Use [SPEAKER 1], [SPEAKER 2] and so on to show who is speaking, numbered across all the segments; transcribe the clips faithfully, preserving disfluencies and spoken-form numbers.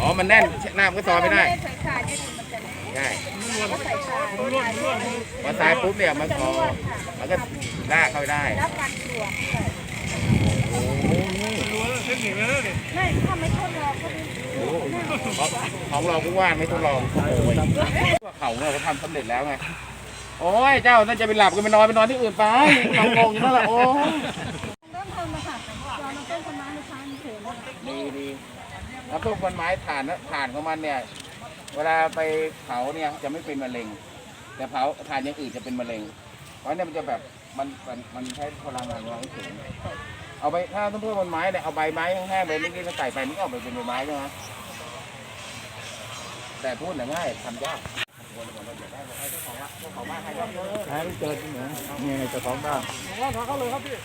[SPEAKER 1] อ๋อมันแน่นหน้ามันก็ซอยไม่ได้
[SPEAKER 2] ใส่ทรายเนี่ยมันจะแน่น
[SPEAKER 1] ใช่
[SPEAKER 2] ก็ใส่ทราย
[SPEAKER 1] พอทรายปุ๊บเนี่ยมันพอมันก็ลากเข้าได้
[SPEAKER 2] แล้วกันกลัวไม่ถ้าไม่ทดลองก็ไม่
[SPEAKER 1] ของเราก็ว่าไม่ทดลองโอ้ยเขาเนี่ยเขาทำสำเร็จแล้วไงโอ้ยเจ้าน่าจะไปหลับกันไปนอนไปนอนที่อื่นไปเรางงอยู่นั่นแหละโอ้
[SPEAKER 2] เริ่มทำมาค่ะยอมต้นต้นไม้ในช้างเฉยๆ
[SPEAKER 1] ดีดีแล้วพวกต้นไม้ถ่านนะถ่านของมันเนี่ยเวลาไปเผาเนี่ยจะไม่เป็นมะเร็งแต่เผาถ่านอย่างอื่นจะเป็นมะเร็งเพราะเนี่ยมันจะแบบมันมันมันใช้พลังงานของเราสูงเอาไปถ้าต้นพืชบนไม้เนี่ยเอาใบไม้แห้งๆใบนิดๆใส่ไปนี่ออกไปเป็นใบไม้ใช่ไหมแต่พูดน่ะง่ายทำยากหาไม่เจอที่ไหนนี่ไงเจ้าของบ้านขอเข้าเลยครับพี่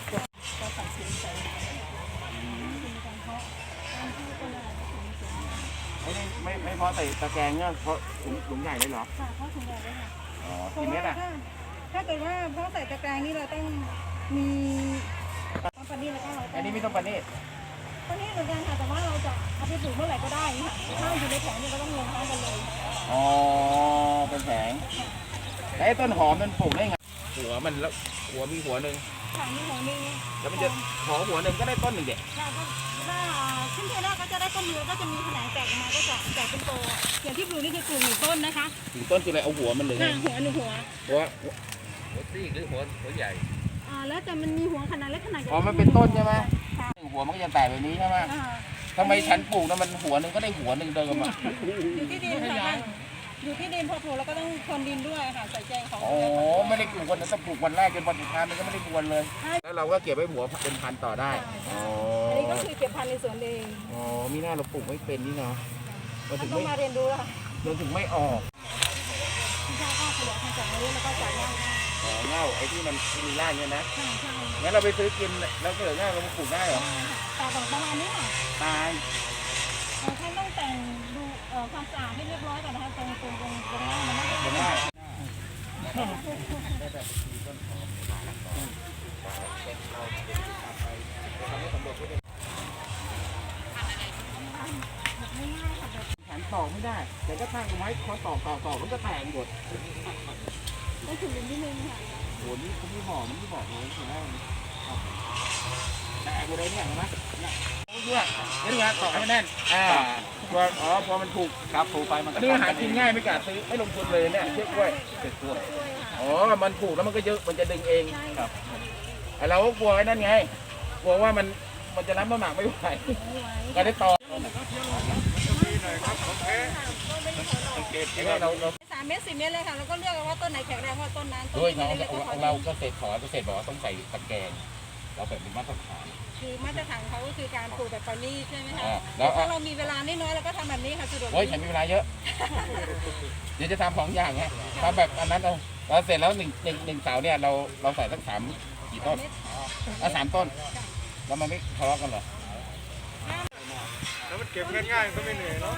[SPEAKER 1] ไม่ไม่พอใส่ตะแกรงเนี่ยเพราะถุงถุงใหญ่เลยเหรอ
[SPEAKER 2] ค่ะเพราะถุงใหญ่เลยค่ะ
[SPEAKER 1] อ๋อกี่เมตรอ่ะ
[SPEAKER 2] ถ้าเกิดว่าเพราะใส่ตะแกรงนี่เราต้องมีต้องปานีแล้วก็เรา
[SPEAKER 1] อันนี้ไม่ต้องปานี
[SPEAKER 2] ปานีเหมือนกันค่ะแต่ว่าเราจะเอาไปปลูกเมื่อไหร่ก็ได้ค่ะถ้าอยู่ในแผงเนี่ยก็ต้องลงท้ายกันเลย
[SPEAKER 1] อ๋อเป็นแผงแล้วไอ้ต้นหอมมันปลูกได้ไงหัวมันแล้วหัวมีหัวหนึ่ง
[SPEAKER 2] ค่ะมีหัวหนึ่ง
[SPEAKER 1] แล้วมันจะหอหัวหนึ่งก็ได้ต้นหนึ่งเด็ก
[SPEAKER 2] ค่ะก็ถ้าขึ้นเทน่าก็จะได้ต้นเดียวก็จะมีแขนงแตกออกมาก็จะแตกเป็นโตอย่างที่ปลูกนี่คือปลูกหนึ่งต้นนะคะ
[SPEAKER 1] หนึ่งต้นคืออะไรเอาหัวมันเลย
[SPEAKER 2] หัวหนึ่งหัว
[SPEAKER 1] หัวหัวซีกหรือหัวหัวใหญ่
[SPEAKER 2] อ่าแล้วแต่มันมีหัวขนาดเล็กขนาดใหญ่
[SPEAKER 1] อ๋อมันเป็นต้นใช่ไหมหัวมันก็จะแตกแบบนี้ใช่ไหมทำไมฉันปลูกนะมันหัวหนึ่งก็ได้หัวหนึ่งเดิมอ่ะ
[SPEAKER 2] อยู่ที่ดินค่ะอยู่ที่ดินพอปลูกแล้วก็ต้องพรวนดินด้วยค่ะใส่แจงของ
[SPEAKER 1] โอ้ไม่ได้ปลูกวันนั้นแต่ปลูกวันแรกจนวันสุดท้ายมันก็ไม่ได้ปลูกเลยแล้วเราก็เก็บไว้หัวเป็นพันธุ์ต่อได้
[SPEAKER 2] อ๋ออันนี้ก็คือเก็บพันธุ์ในสวนเอง
[SPEAKER 1] อ๋อมีหน้าเราปลูกไม่เป็นนี่เนาะ
[SPEAKER 2] เราถึงไม่มาเรียนรู้ค่ะ
[SPEAKER 1] เราถึงไม่ออก
[SPEAKER 2] ใช่ก็ขยายพันธุ์จากนี้แล้วก็จากเงา
[SPEAKER 1] อ๋อเงาไอ้ที่มันมีรากเนี่ยนะ
[SPEAKER 2] ใช่ใช่
[SPEAKER 1] งั้นเราไปซื้อกินแล้วก็เหลือเงาเราปลูกได้เหรอ
[SPEAKER 2] แต่ของประมาณนี้ค่ะ
[SPEAKER 1] ตาย
[SPEAKER 2] ท่านต้องแต่งดูความสะอาดให้เรียบร้อยก่อนนะคะตรงตรงตรงตรงหน้ามันไม่
[SPEAKER 1] ได้ฉันตอกไม่ได้แต่ก็ตั้งไม้คอตอกตอกตอกมันก็แตกหมด
[SPEAKER 2] ต้องถึงนิดนึงค่ะ
[SPEAKER 1] โหนี่คุณพี่บอกมันพี่บอกเลยใช่ไหมแตกหมดเลยเนี่ยเห็นไหมเนี่ยเนี่ยนี่ไงตอกให้แน่นอ่าพออ๋อพอมันถูก
[SPEAKER 3] ครับถูกไปมันก็
[SPEAKER 1] หากินง่ายไม่กล้าซื้อไม่ลงทุนเลยเนี่ยเชือกกล้วยเชือกกล้วยอ๋อมันถูกแล้วมันก็เยอะมันจะดึงเองครับเราก็กลัวไอ้นั่นไงกลัวว่ามันมันจะรับน้ำหนักไม่ไหวก็ได้ต่อเราเรา
[SPEAKER 2] สามเมตรสี่เมตรเลยค่ะแล้วก็เลือกว่าต้นไหนแข็งแรงว่าต้นนั้น
[SPEAKER 1] ด้วยน้องเราเกษตรขอเกษตรบอกว่าต้องใส่ตะแกรงเราแบบเป็นมาตรฐาน
[SPEAKER 2] คือมาตรฐานเขาก็คือการปลูกแบบปานีใช่ไหมคะแล้วถ้าเรามีเวลาน้อยๆเราก็ทำแบบนี้ค่ะสะดวก
[SPEAKER 1] โอ้ยฉันมีเวลาเยอะเดี๋ยวจะทำสองอย่างไงทำแบบอันนั้นเราเราเสร็จแล้วหนึ่งหนึ่งหนึ่งเสาเนี่ยเราเราใส่สักสามกี่ต้นอ่ะสามต้นแล้วมันไม่ทะเลาะกันเหรอ
[SPEAKER 3] แล้วมันเก็บง่ายๆก็ไม่เหนื่อยเนาะ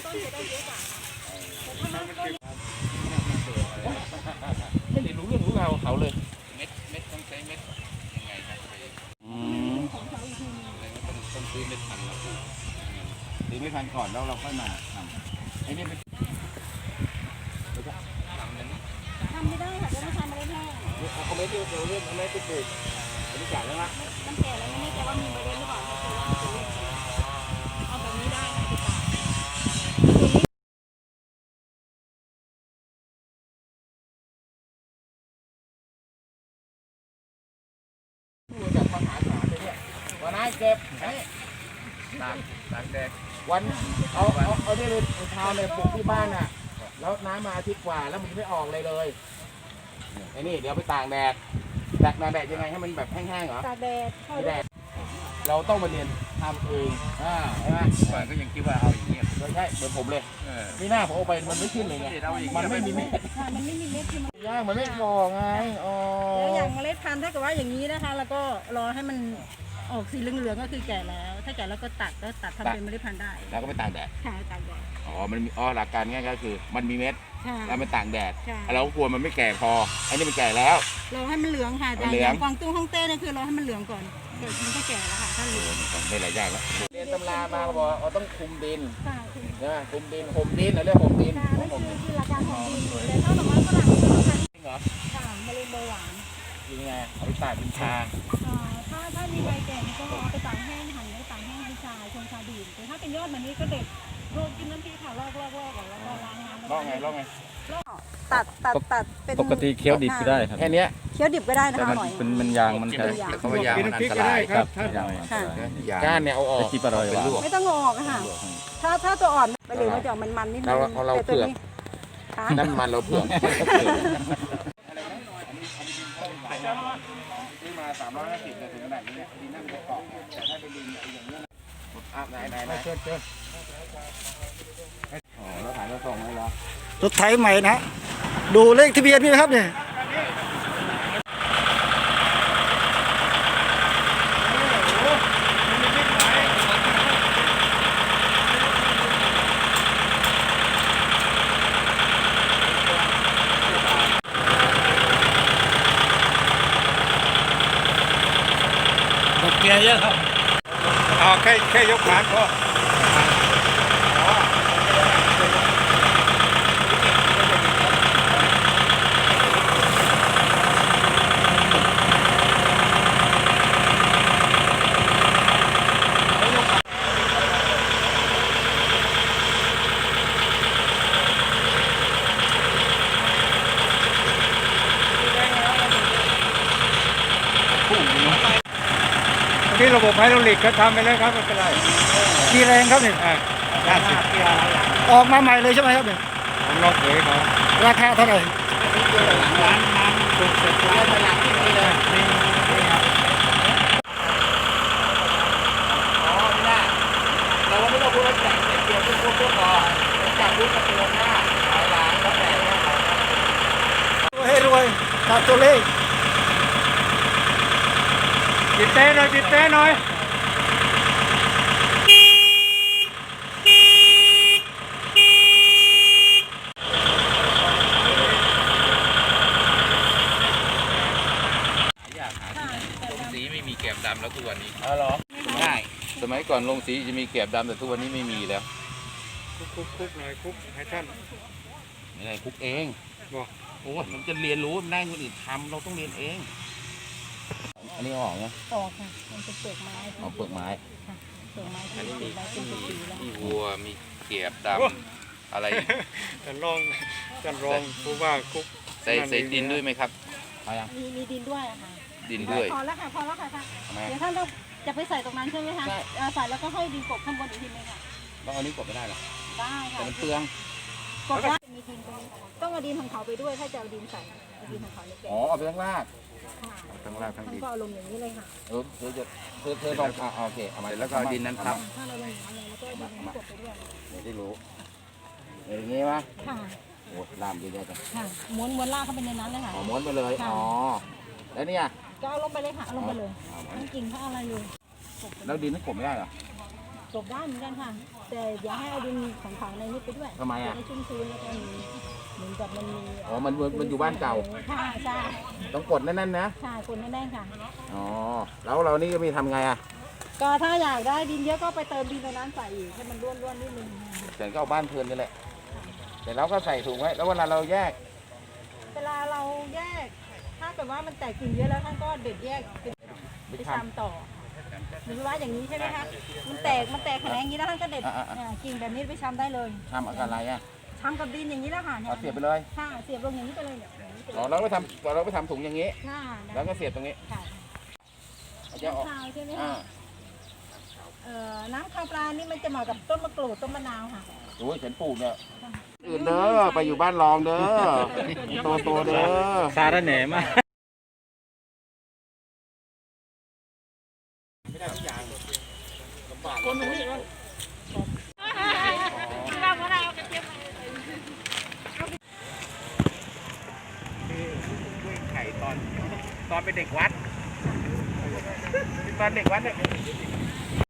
[SPEAKER 1] ไม่ได้รู้เรื่องรู้ราวเขาเลย
[SPEAKER 3] เม็ดเม็ดต้องใช้เม็ดยังไงครับ
[SPEAKER 1] อืม
[SPEAKER 3] ต้องต้องซื้อเม็ดพันธุ์แล้ว
[SPEAKER 1] ซื้อเม็ดพันธุ์ก่อนแล้วเราค่อยมาทำไอ้นี่เป็น
[SPEAKER 2] ทำไม่ได้ค่ะจะไม่ทำอะไรแห้ง
[SPEAKER 1] เอาเม็ดเดียวเราเลือกเอาเม็ดไปปลูกอันนี้จ่ายแล้วนะ
[SPEAKER 2] มันแก่แล้วไม่แน่ใจว่ามีเมล็ดหรือเปล่าเอาแบบนี้ได้ค่ะ
[SPEAKER 1] จากมหาศาลเลยเนี่ยวันนั้นเก็บไอ้
[SPEAKER 3] ตากตากแดด
[SPEAKER 1] วันเอาเอาเอาที่เลยเช้าเลยปลูกที่บ้านน่ะแล้วน้ำมาอาทิตย์กว่าแล้วมันไม่ออกเลยเลยไอ้นี่เดี๋ยวไปตากแดดตากแดดยังไงให้มันแบบแห้งๆเหรอ
[SPEAKER 2] ตากแดด
[SPEAKER 1] แดดเราต้องมาเรียนทำเองอ่าใช่ไหม
[SPEAKER 3] ก่อนก็ยังคิดว่าเอาอย่างนี้
[SPEAKER 1] ใช่เหมือนผมเลยนี่หน้าผมเอาไปมันไม่ขึ้นเลยไงมันไม่มีเม็ด
[SPEAKER 2] มันไม่มีเม็ดคือมัน
[SPEAKER 1] ย่างมันไม่พอไงอ๋อ
[SPEAKER 2] แล้วอย่างเมล็ดพันธุ์ถ้าเกิดว่าอย่างนี้นะคะแล้วก็รอให้มันออกสีเหลืองๆก็คือแก่แล้วถ้าแก่แล้วก็ตัดก็ตัดทำเป็นเมล็ดพันธุ์ได้
[SPEAKER 1] แล้วก็ไปตากแดด
[SPEAKER 2] ค่ะตากแดด
[SPEAKER 1] อ๋อมันมีอ๋อหลักการง่ายก็คือมันมีเม็ดแล้วมันตากแดดเรากลัวมันไม่แก่พออันนี้มันแก่แล้ว
[SPEAKER 2] เราให้มันเหลืองค่ะแต่อย่างกวางตุ้งฮ่องเต้เนี่ยคือเราให้มันเหลืองก่อนมันก็แก่แล้วค่ะถ้าเหลือง
[SPEAKER 1] ได้หลายอย่างแล้ว
[SPEAKER 2] เรียน
[SPEAKER 1] ตำรามาเขาบอกว่าต้องคุมดิน
[SPEAKER 2] ค่ะคุณ
[SPEAKER 1] ใช่ไหมคุมดินห่มดินเราเรียกห่มดิน
[SPEAKER 2] ค่ะนั่น
[SPEAKER 1] ห่ม
[SPEAKER 2] คือ
[SPEAKER 1] ดิน
[SPEAKER 2] คือหลักการของดินแต่ถ้าดอกไม้ฝรั่งคือสำคัญ
[SPEAKER 1] จริงเหรอ
[SPEAKER 2] ค่ะมะเร็งเบาหวาน
[SPEAKER 1] จริงไงเอาไปตากเป็นชา
[SPEAKER 2] อ่าถ้าถ้ามีใบแก่นี่ก็เอาไปตากแห้งหั่นแล้วตากแห้งเป็นชาชงชาดื่มแต่ถ้าเป็นยอดมันนี้ก็เด็ดโรยกินน้ำพริกค่ะลอกลอกลอกก่อนแล้วก็ล้างน้ำ
[SPEAKER 1] ลอกไงลอกไง
[SPEAKER 2] ลอกตัดตัดตัดเป็น
[SPEAKER 4] ปกติเคี้ยวดิบก็ได้ครับ
[SPEAKER 1] แค่เนี้ย
[SPEAKER 2] เคี้ยวดิบก็ได้นะ
[SPEAKER 4] แต่
[SPEAKER 2] คะ
[SPEAKER 4] มัน
[SPEAKER 2] อร่อย
[SPEAKER 4] เป็นมันยางมันใช่
[SPEAKER 3] เขาว่ายางมันอันตราย
[SPEAKER 4] ครับยางมัน
[SPEAKER 2] ค่ะ
[SPEAKER 4] ยาง
[SPEAKER 1] ก้านเนี่ยเอาออก
[SPEAKER 4] ไอ้ที่ปลาลอยหวาน
[SPEAKER 2] ไม่ต้องงอกอะค่ะ ถ้าถ้าตัวอ่อนไปเหลืองมันจะออกมันๆนิดนึ
[SPEAKER 1] เรา
[SPEAKER 2] ง
[SPEAKER 1] เอาเรา
[SPEAKER 2] แต่ตัว
[SPEAKER 1] เผือก
[SPEAKER 2] นี้ค่ะ
[SPEAKER 1] นั่นมันเราเผือกนี่มาสามร้อยห้าสิบเนี่ยถึงขนาดนี้เนี่ยดินนั่นจะเกาะแต่ถ้าเป็นดินอย่างเงี้ยอ่ะไหนไหนไหนเชิญเชิญอ๋อแล้วถ่ายมาส่งให้เรา
[SPEAKER 5] รถไถใหม่นะ ดูเลขทะเบียนนี่นะครับเนี่ยดอกเบี้ยเยอะครับอ๋อแค่แค่ยกขาก็ ที่ระบบไฮดรอลิกเขาทำไปแล้วครับไม่เป็นไรกี่แรงครับเนี่ยห้าสิบออกมาใหม่เลยใช่ไหมครับเนี่ยผมลองเผยเขาราคาเท่าไหร่ร้านน้ำถูกเสร็จแล้วไปหลังที่นี่เลยนี่นี่ครับ
[SPEAKER 1] อ๋อไม่ได้เราไม่ต้องพูดว่าแจกเดียวพูดพูดพูดพอจากพูดกระเตือนหน้าหลายล้านแล้วแต่เนี่ย
[SPEAKER 5] ให้รวยตัดตัวเลขปิดเต้หน่อยปิดเต้หน่อย
[SPEAKER 3] อยากหาลงสีไม่มีแกบดำแล้วทุกวันนี้
[SPEAKER 1] อ๋อเหรอ
[SPEAKER 3] ง่าย สมัยก่อนลงสีจะมีแกบดำแต่ทุกวันนี้ไม่มีแล้ว
[SPEAKER 5] คุกคุกคุกหน่อยคุกให้ท่าน
[SPEAKER 3] ไม่ได้คุกเอง
[SPEAKER 5] บอก
[SPEAKER 3] โอ้มันจะเรียนรู้มันได้คนอื่นทำเราต้องเรียนเอง
[SPEAKER 1] อันนี้ออกไง
[SPEAKER 2] ออกค่ะมันเป็นเปลือกไม้
[SPEAKER 1] เอาเปลือกไม้
[SPEAKER 2] ค่ะเปลือกไม้
[SPEAKER 3] อั
[SPEAKER 2] ที่
[SPEAKER 3] นนี้
[SPEAKER 2] ติ
[SPEAKER 3] มี
[SPEAKER 2] ดไว้เป็นปีๆแล้ว
[SPEAKER 3] มีวัวมีแกบดำอะไร
[SPEAKER 5] ท่านรองท่านรองผู้ว่าคุก
[SPEAKER 3] ใส่ใส่ดินด้วยไหมครับ
[SPEAKER 1] เอายัง
[SPEAKER 2] มีมีดินด้วยอะค่ะ
[SPEAKER 3] ดินด้วย
[SPEAKER 2] พอแล้วค่ะพอแล้วค่ะค่ะ
[SPEAKER 1] ทำไม
[SPEAKER 2] เดี๋ยวท่านต้องจะไปใส่ตรงนั้นใช่ไหมคะ
[SPEAKER 1] ใช่
[SPEAKER 2] เอ่อใส่แล้วก็ให้ดินกบข้างบนอีกทีนึงค่ะ
[SPEAKER 1] ต้องเอานี้กดไม่ได้หรอ
[SPEAKER 2] ได้ค่ะ
[SPEAKER 1] แต่มันเปลือง
[SPEAKER 2] กบได้มีดินตรงนี้ต้องเอาดินของเขาไปด้วยถ้าจะเอาดินใส่เอาดินของเขาในแกะ
[SPEAKER 1] อ๋อเอาไปทั้งราก
[SPEAKER 2] ค่ะ
[SPEAKER 1] ทั้งรากทั้ง
[SPEAKER 2] ท่าน
[SPEAKER 1] ดิน
[SPEAKER 2] ก็เอาลงอย่างนี้เลยค่ะ
[SPEAKER 1] เออเธอจะเธอเธอลองอ่ะโอเคเอามา
[SPEAKER 3] แล้วก็เอาดินนั้นทับ
[SPEAKER 2] ถ้าเราลงอย่างนั้นเลยแล้วก็เอาดินนี้กบไปด้วย
[SPEAKER 1] เดี๋ยวได้รู้อย่างงี้ปะ
[SPEAKER 2] ค่ะ
[SPEAKER 1] โอ้ลามเยอะๆจัง
[SPEAKER 2] ค่ะม้วนม้วนลากเข้าไปในนั้นเลยค่ะ
[SPEAKER 1] อ๋อม้วนไปเลย
[SPEAKER 2] ค่ะ
[SPEAKER 1] อ๋อแล้วเนี่ย
[SPEAKER 2] ก็เอาลงไปเลยค่ะเอาลงไปเลย
[SPEAKER 1] เอา
[SPEAKER 2] ทั้งกิ่งทั้งอะไรเลยกบไป
[SPEAKER 1] แล้วดินนั้นกดไม่ได้เหรอก
[SPEAKER 2] บได้เหมือนกันค่ะ แต่อย่าให้เอาดินของเขาในนี้ไปด้วย
[SPEAKER 1] ทำไมอ่ะ
[SPEAKER 2] จะให้ชุ่มชื้นแล้วก็มีเหมือนกับมันมี
[SPEAKER 1] อ๋อมันมันมันอยู่บ้านเก่า
[SPEAKER 2] ค่ะใช่
[SPEAKER 1] ต้องกดแน่นๆนะ
[SPEAKER 2] ใช่คนแน่นๆค่ะ
[SPEAKER 1] อ๋อแล้วเรานี่ก็มีทำไงอ่ะ
[SPEAKER 2] ก็ถ้าอยากได้ดินเยอะก็ไปเติมดินตรงนั้นใส่อีกให้มันร่วนๆนิดนึง
[SPEAKER 1] แต่ก็เอาบ้านเพลินนี่แหละแต่เราก็ใส่ถุงไว้แล้วเวลาเราแยก
[SPEAKER 2] เวลาเราแยก ถ้าเกิดว่ามันแตกกิ่งเยอะแล้วท่านก็เด็ดแยกไป
[SPEAKER 1] ไป
[SPEAKER 2] ไป
[SPEAKER 1] ท
[SPEAKER 2] ทำต่อหรือว่าอย่างนี้ใช่ไหมคะมันแตกมันแตกแขนงอย่างนี้แล้วท่านก็เด็ด
[SPEAKER 1] อ่าๆๆ
[SPEAKER 2] อ่ากิ่งแบบนี้ไปชำได้เลย
[SPEAKER 1] ำทำอะไรอ่ะ
[SPEAKER 2] ทำกับดินอย่างนี้แล้วค่ะ
[SPEAKER 1] เอาเสียบไปเลย
[SPEAKER 2] ค่ะเสียบลงอย่างนี้ไปเลยเนี่ยอย่างนี้ไปเล
[SPEAKER 1] อ๋อย เราไปทำเราไปทำถุงอย่างนี้
[SPEAKER 2] ค่ะ
[SPEAKER 1] แล้วก็เสียบตรงนี้
[SPEAKER 2] ค่ะ
[SPEAKER 1] เอาจะออก
[SPEAKER 2] น้ำคาวใช่ไหม
[SPEAKER 1] อ่า
[SPEAKER 2] คะเอ่อน้ำคาวปลานี่มันจะเหมาะกับต้นมะกรูดต้นมะนาวค่ะ
[SPEAKER 1] โอ้ยฉันปลูกเนี่ยอื่นเด้อไปอยู่บ้านรองเด้อโตโตๆเด้อ
[SPEAKER 4] สารแหน่มาก
[SPEAKER 1] คนหนึ่งนี่ไข่ตอนตอนเป็นเด็กวัดตอนเด็กวัดเนี่ย